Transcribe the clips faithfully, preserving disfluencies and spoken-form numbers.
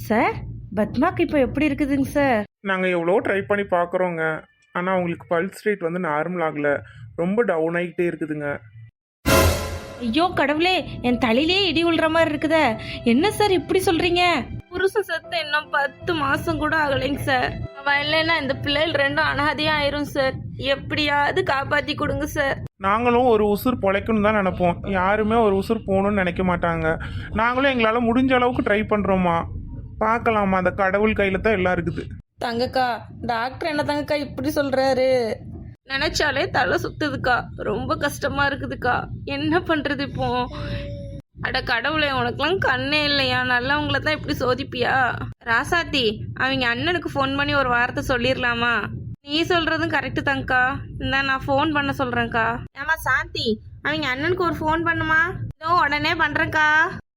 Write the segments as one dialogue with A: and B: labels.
A: Sir பத்மாக்கு இப்போ எப்படி இருக்குதுங்க சார்?
B: நாங்கள் எவ்வளோ ட்ரை பண்ணி பார்க்குறோங்க. ஆனால் அவங்களுக்கு பல்ஸ் ரேட் வந்து நார்மல் ஆகலை, ரொம்ப டவுன் ஆகிட்டே இருக்குதுங்க.
A: ஐயோ கடவுளே, என் தலையிலே இடி உள்ற மாதிரி இருக்குதே. என்ன சார் இப்படி சொல்றீங்க? புருஷ செத்து இன்னும் பத்து மாசம் கூட ஆகலைங்க சார். அவன் இல்லைன்னா இந்த பிள்ளைகள் ரெண்டும் அனாதையா ஆயிரும் சார். எப்படியாவது காப்பாத்தி கொடுங்க சார்.
B: நாங்களும் ஒரு உசுர் பொழைக்கணும் தான் நினைப்போம், யாருமே ஒரு உசுர் போகணும்னு நினைக்க மாட்டாங்க. நாங்களும் எங்களால் முடிஞ்ச அளவுக்கு ட்ரை பண்ணுறோமா, பார்க்கலாமா, அந்த கடவுள் கையில் தான் எல்லாம் இருக்குது.
A: தங்கக்கா, டாக்டர் என்ன தங்கக்கா இப்படி சொல்றாரு? நினைச்சாலே தலை சுத்துதுக்கா, ரொம்ப கஷ்டமா இருக்குதுக்கா. என்ன பண்றது இப்போ? அட கடவுளே, உனக்குலாம் கண்ணே இல்லையா? நல்லவங்கள தான் இப்படி சோதிப்பியா? ராசாத்தி, அவங்க அண்ணனுக்கு ஃபோன் பண்ணி ஒரு வார்த்தை சொல்லிடலாமா? நீ சொல்றதும் கரெக்டு தாங்க்கா. இந்த நான் ஃபோன் பண்ண சொல்றேன்க்கா. ஏமா சாந்தி, அவங்க அண்ணனுக்கு ஒரு ஃபோன் பண்ணுமா? இதோ உடனே பண்றேன்க்கா.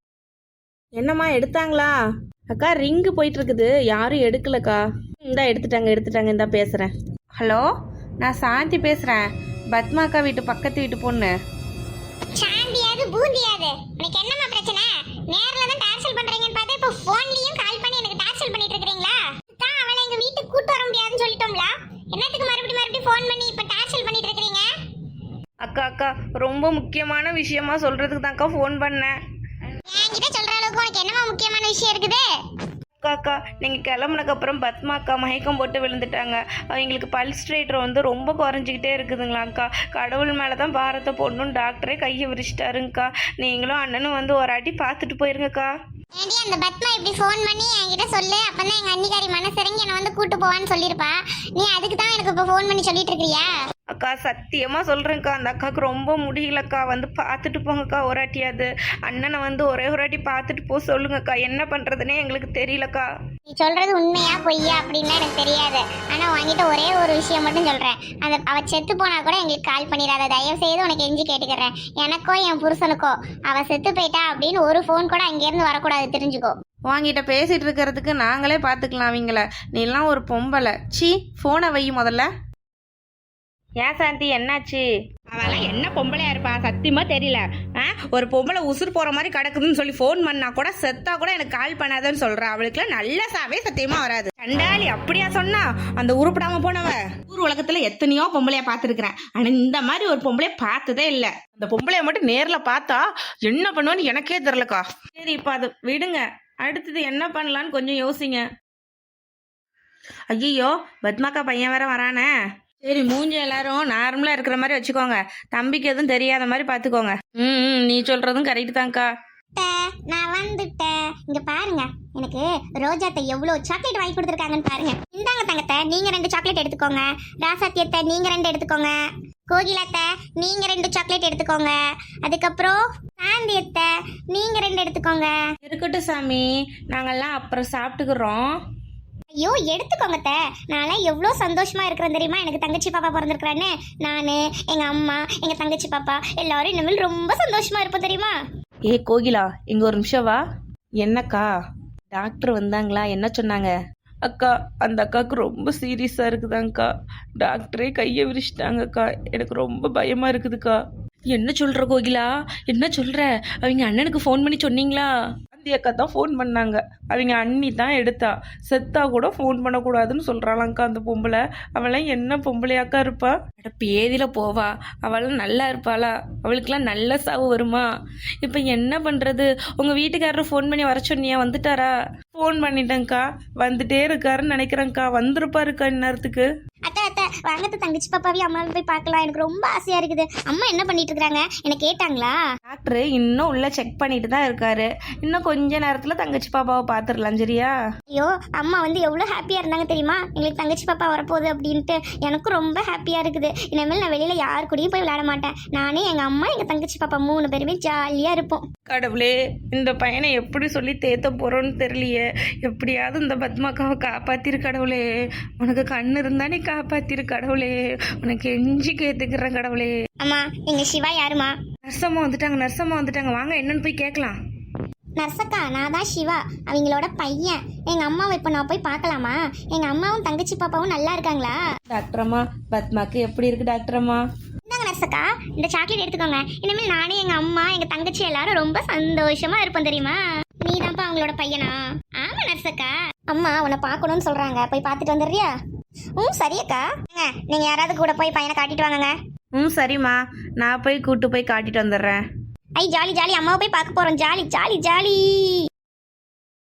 A: என்னம்மா எடுத்தாங்களா? அக்கா ரிங்கு போயிட்டு இருக்குது, யாரும் எடுக்கலக்கா. இந்தா எடுத்துட்டாங்க எடுத்துட்டாங்க இந்தா பேசுறேன். ஹலோ, நான் சாந்தி பேசுறேன், பத்மாக்கா வீட்டு பக்கத்து வீட்டு பொண்ணு.
C: சாந்தியாது பூந்தியாது, உனக்கு என்னமா பிரச்சனை? நேர்ல தான் டார்ச்சல் பண்றீங்கன்னு பார்த்தா இப்போ போன்லயும் கால் பண்ணி எனக்கு டார்ச்சல் பண்ணிட்டு இருக்கீங்களா? தான் அவளை எங்க வீட்டுக்கு கூட்டி வர முடியாதுன்னு சொல்லிட்டோம்ல, என்னத்துக்கு மறுபடியும் மறுபடியும் ஃபோன் பண்ணி இப்ப டார்ச்சல் பண்ணிட்டு இருக்கீங்க?
A: அக்கா அக்கா ரொம்ப முக்கியமான விஷயமா சொல்றதுக்கு தான்க்கா ஃபோன் பண்ணேன்.
C: என்கிட்ட சொல்ற அளவுக்கு உனக்கு என்னமா முக்கியமான விஷயம் இருக்குது?
A: அக்கா அக்கா நீங்கள் கிளம்புனக்கு அப்புறம் பத்மா அக்கா மயக்கம் போட்டு விழுந்துட்டாங்க. அவங்களுக்கு பல்ஸ் ரேட் வந்து ரொம்ப குறைஞ்சிக்கிட்டே இருக்குதுங்களாங்க்கா. கடவுள் மேலே தான் பாரத்தை போடணும்னு டாக்டரே கையை விரிச்சிட்டாருங்கக்கா. நீங்களும் அண்ணனும் வந்து ஒரு அடி பார்த்துட்டு போயிருங்கக்கா.
C: ஏண்டி அந்த பத்மா இப்படி ஃபோன் பண்ணி என்கிட்ட சொல்லு, அப்பதான் எங்க அன்னிக்காரி மனசிறங்கி என்னை வந்து கூட்டு போவான்னு சொல்லியிருப்பா. நீ அதுக்கு தான் எனக்கு இப்போ ஃபோன் பண்ணி சொல்லிட்டு இருக்கிறியா?
A: அக்கா சத்தியமாக சொல்கிறேங்க்கா, அந்த அக்காவுக்கு ரொம்ப முடியலக்கா. வந்து பார்த்துட்டு போங்கக்கா ஒரு வாட்டியாது. அண்ணனை வந்து ஒரே ஒரு வாட்டி பார்த்துட்டு போக சொல்லுங்கக்கா. என்ன பண்ணுறதுனே எங்களுக்கு தெரியலக்கா.
C: நீ சொல்றது உண்மையா பொய்யா அப்படின்னா எனக்கு தெரியாது. ஆனா உன்கிட்ட ஒரே ஒரு விஷயம் மட்டும் சொல்றேன், அந்த அவ செத்து போனா கூட எங்களுக்கு கால் பண்ணிடாத, தயவு செய்து உனக்கு எஞ்சி கேட்டுக்கிறேன். எனக்கோ என் புருஷனுக்கோ அவ செத்து போயிட்டா அப்படின்னு ஒரு ஃபோன் கூட அங்கேருந்து வரக்கூடாது, தெரிஞ்சுக்கோ.
A: வாங்கிட்ட பேசிட்டு இருக்கிறதுக்கு நாங்களே பார்த்துக்கலாம் அவங்கள. நீலாம் ஒரு பொம்பளை. சி, ஃபோனை வை முதல்ல. ஏன் சாந்தி என்னாச்சு?
D: அவெல்லாம் என்ன பொம்பளையா இருப்பா, சத்தியமா தெரியல. ஆ, ஒரு பொம்பளை உசுர் போற மாதிரி கிடக்குதுன்னு சொல்லி ஃபோன் பண்ணா கூட செத்தா கூட எனக்கு கால் பண்ணாதன்னு சொல்றா. அவளுக்குலாம் நல்ல சாவே சத்தியமா வராது. கண்டாளி அப்படியா சொன்னா? அந்த உருப்படாம போனவ ஊர் உலகத்துல எத்தனையோ பொம்பளையா பார்த்துருக்கிறேன், ஆனா இந்த மாதிரி ஒரு பொம்பளைய பார்த்ததே இல்லை. அந்த பொம்பளைய மட்டும் நேர்ல பார்த்தா என்ன பண்ணுவேன்னு எனக்கே தெரியலக்கா.
A: சரி இப்போ அதை விடுங்க, அடுத்தது என்ன பண்ணலான்னு கொஞ்சம் யோசிங்க. ஐயோ, பத்மாக்கா பையன் வேற வரானே. சரி, மூஞ்சி எல்லாரும் நார்மலா இருக்கிற மாதிரி வச்சுக்கோங்க, தம்பிக்கு எதுவும் தெரியாத மாதிரி பாத்துக்கோங்க. ம் நீ சொல்றதும் கரெக்ட் தான்க்கா.
C: நான் வந்துட்டேன். இங்க பாருங்க, எனக்கு ரோஜாத்தை எவ்வளவு சாக்லேட் வாங்கி கொடுத்துருக்காங்கன்னு பாருங்க. இந்தாங்க தங்கத்தை, நீங்க ரெண்டு சாக்லேட் எடுத்துக்கோங்க. ராசாத்தியத்தை நீங்க ரெண்டு எடுத்துக்கோங்க. கோகிலாத்தை நீங்க ரெண்டு சாக்லேட் எடுத்துக்கோங்க. அதுக்கப்புறம் சாந்தியத்தை நீங்க ரெண்டு எடுத்துக்கோங்க.
A: இருக்கட்டும் சாமி, நாங்கெல்லாம் அப்புறம் சாப்பிட்டுக்கிறோம்.
C: ஐயோ எடுத்துக்கோங்க. நான்லாம் எவ்வளோ சந்தோஷமா இருக்கிறேன் தெரியுமா, எனக்கு தங்கச்சி பாப்பா பிறந்திருக்கிறான்னு. நான், எங்க அம்மா, எங்க தங்கச்சி பாப்பா எல்லாரும் இனிமேல் ரொம்ப சந்தோஷமா இருப்போம் தெரியுமா.
A: ஏ கோகிலா, இங்க ஒரு நிமிஷம் வா. என்னக்கா, டாக்டர் வந்தாங்களா? என்ன சொன்னாங்க? அக்கா, அந்த அக்காவுக்கு ரொம்ப சீரியஸா இருக்குதாங்க்கா. டாக்டரே கையை விரிச்சிட்டாங்கக்கா. எனக்கு ரொம்ப பயமா இருக்குதுக்கா. என்ன சொல்ற கோகிலா, என்ன சொல்ற? அவங்க அண்ணனுக்கு ஃபோன் பண்ணி சொன்னீங்களா? அந்த அக்கா தான் ஃபோன் பண்ணாங்க, அவங்க அண்ணி தான் எடுத்தா. செத்தா கூட ஃபோன் பண்ணக்கூடாதுன்னு சொல்றாளாங்க்கா அந்த பொம்பளை. அவளாம் என்ன பொம்பளையாக்கா இருப்பா? அட பேதியில போவா, அவளாம் நல்லா இருப்பாளா? அவளுக்கெல்லாம் நல்ல சாவு வருமா? இப்போ என்ன பண்றது? உங்க வீட்டுக்காரர் ஃபோன் பண்ணி வர சொன்னியா? வந்துட்டாரா? ஃபோன் பண்ணிட்டேங்க்கா, வந்துட்டே இருக்காருன்னு நினைக்கிறேங்க்கா. வந்திருப்பாருக்கா இந்நேரத்துக்கு.
C: அத்தை அத்தை வாங்கத்த, தங்கச்சி பாப்பாவையும் அம்மாவை போய் பார்க்கலாம், எனக்கு ரொம்ப ஆசையா இருக்குது. அம்மா என்ன பண்ணிட்டு இருக்காங்க, என்ன கேட்டாங்களா?
A: டாக்டர் இன்னும் உள்ள செக் பண்ணிட்டு தான் இருக்காரு. இன்னும் கொஞ்ச நேரத்துல தங்கச்சி பாப்பாவை பாத்துடலாம், சரியா?
C: ஐயோ, அம்மா வந்து எவ்வளவு ஹாப்பியா இருந்தாங்க தெரியுமா, எங்களுக்கு தங்கச்சி பாப்பா வரப்போகுது அப்படின்ட்டு. எனக்கும் ரொம்ப ஹாப்பியா இருக்குது. இனிமேல் நான் வெளியில யாரு கூடயும் போய் விளையாட மாட்டேன். நானே, எங்க அம்மா, எங்க தங்கச்சி பாப்பா மூணு பேருமே ஜாலியா இருப்போம்.
A: கடவுளே, இந்த பையனை எப்படி சொல்லி தேத்த போறோன்னு தெரியலையே. எப்படியாவது இந்த பத்மாக்காவை காப்பாத்திரு கடவுளே. உனக்கு கண்ணு இருந்தா நீ காப்பாத்திரு கடவுளே. உனக்கு எஞ்சி கேத்துக்கிறேன் கடவுளே.
C: அம்மா, எங்க சிவா யாருமா?
A: நர்சம்மா வந்துட்டாங்க, நர்சம்மா வந்துட்டாங்க. வாங்க என்னன்னு போய் கேட்கலாம்.
C: நர்சக்கா, நான் தான் சிவா, அவங்களோட பையன். எங்க அம்மாவை இப்போ நான் போய் பார்க்கலாமா? எங்க அம்மாவும் தங்கச்சி பாப்பாவும் நல்லா இருக்காங்களா?
A: டாக்டர் அம்மா, பத்மாக்கு எப்படி இருக்கு டாக்டர் அம்மா?
C: இந்தாங்க நர்சக்கா, இந்த சாக்லேட் எடுத்துக்கோங்க. இனிமேல் நானே, எங்க அம்மா, எங்க தங்கச்சி எல்லாரும் ரொம்ப சந்தோஷமா இருப்போம் தெரியுமா. நீ தான்ப்பா அவங்களோட பையனா? ஆமா நர்சக்கா. நர்ஸ் அக்கா அம்மா உன்னை பார்க்கணும்னு சொல்றாங்க, போய் பார்த்துட்டு வந்துடுறியா? ம் சரியக்கா. நீங்க யாராவது கூட போய் பையனை காட்டிட்டு வாங்கங்க.
D: ம் சரிம்மா, நான் போய் கூட்டு போய் காட்டிட்டு வந்துடுறேன்.
C: ஐ ஜாலி ஜாலி, அம்மாவை போய் பார்க்க போறோம். Jolly jolly jolly.